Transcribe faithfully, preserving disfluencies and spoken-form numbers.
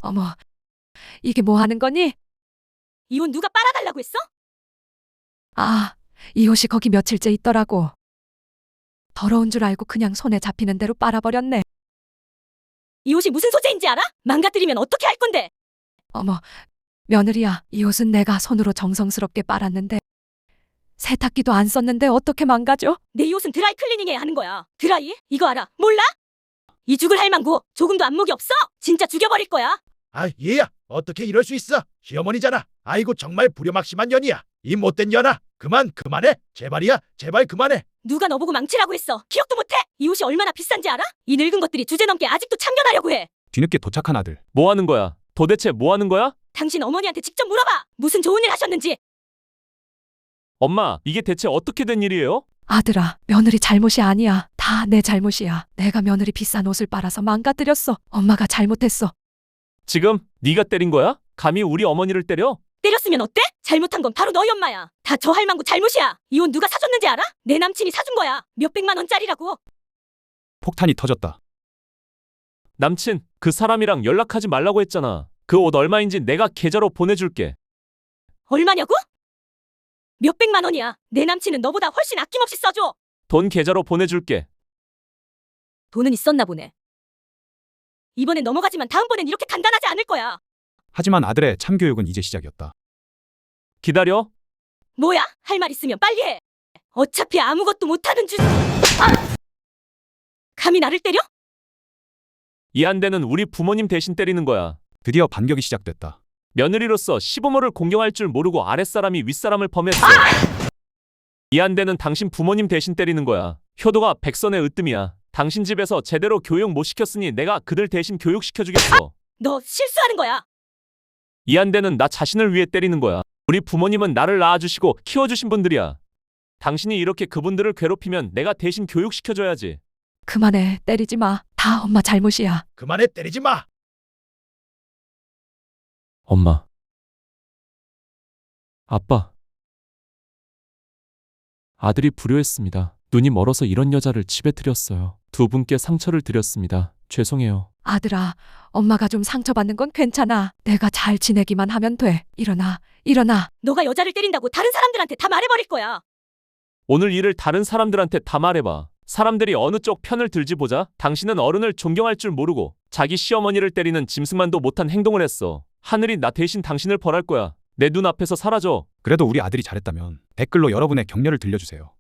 어머, 이게 뭐 하는 거니? 이 옷 누가 빨아달라고 했어? 아, 이 옷이 거기 며칠째 있더라고. 더러운 줄 알고 그냥 손에 잡히는 대로 빨아버렸네. 이 옷이 무슨 소재인지 알아? 망가뜨리면 어떻게 할 건데? 어머, 며느리야, 이 옷은 내가 손으로 정성스럽게 빨았는데 세탁기도 안 썼는데 어떻게 망가져? 내 이 옷은 드라이 클리닝해야 하는 거야. 드라이? 이거 알아? 몰라? 이 죽을 할망구 조금도 안목이 없어? 진짜 죽여버릴 거야. 아, 얘야, 어떻게 이럴 수 있어? 시어머니잖아. 아이고, 정말 불효막심한 년이야. 이 못된 년아, 그만 그만해. 제발이야, 제발 그만해. 누가 너보고 망치라고 했어? 기억도 못해? 이 옷이 얼마나 비싼지 알아? 이 늙은 것들이 주제넘게 아직도 참견하려고 해. 뒤늦게 도착한 아들. 뭐 하는 거야? 도대체 뭐 하는 거야? 당신 어머니한테 직접 물어봐. 무슨 좋은 일 하셨는지. 엄마, 이게 대체 어떻게 된 일이에요? 아들아, 며느리 잘못이 아니야. 다 내 잘못이야. 내가 며느리 비싼 옷을 빨아서 망가뜨렸어. 엄마가 잘못했어. 지금 네가 때린 거야? 감히 우리 어머니를 때려? 때렸으면 어때? 잘못한 건 바로 너희 엄마야. 다 저 할망구 잘못이야. 이 옷 누가 사줬는지 알아? 내 남친이 사준 거야. 몇백만 원짜리라고. 폭탄이 터졌다. 남친, 그 사람이랑 연락하지 말라고 했잖아. 그 옷 얼마인지 내가 계좌로 보내줄게. 얼마냐고? 몇백만 원이야. 내 남친은 너보다 훨씬 아낌없이 써줘. 돈 계좌로 보내줄게. 돈은 있었나 보네. 이번엔 넘어가지만 다음번엔 이렇게 간단하지 않을 거야. 하지만 아들의 참교육은 이제 시작이었다. 기다려. 뭐야? 할 말 있으면 빨리 해. 어차피 아무것도 못하는 줄. 아! 감히 나를 때려? 이 한대는 우리 부모님 대신 때리는 거야. 드디어 반격이 시작됐다. 며느리로서 시부모를 공경할 줄 모르고 아랫사람이 윗사람을 범했어. 이 한대는 당신 부모님 대신 때리는 거야. 효도가 백선의 으뜸이야. 당신 집에서 제대로 교육 못 시켰으니 내가 그들 대신 교육시켜주겠어. 너 실수하는 거야. 이 한대는 나 자신을 위해 때리는 거야. 우리 부모님은 나를 낳아주시고 키워주신 분들이야. 당신이 이렇게 그분들을 괴롭히면 내가 대신 교육시켜줘야지. 그만해, 때리지 마. 다 엄마 잘못이야. 그만해, 때리지 마. 엄마. 아빠. 아들이 불효했습니다. 눈이 멀어서 이런 여자를 집에 들였어요. 두 분께 상처를 드렸습니다. 죄송해요. 아들아, 엄마가 좀 상처받는 건 괜찮아. 내가 잘 지내기만 하면 돼. 일어나, 일어나. 너가 여자를 때린다고 다른 사람들한테 다 말해버릴 거야. 오늘 일을 다른 사람들한테 다 말해봐. 사람들이 어느 쪽 편을 들지 보자. 당신은 어른을 존경할 줄 모르고 자기 시어머니를 때리는 짐승만도 못한 행동을 했어. 하늘이 나 대신 당신을 벌할 거야. 내 눈앞에서 사라져. 그래도 우리 아들이 잘했다면 댓글로 여러분의 격려를 들려주세요.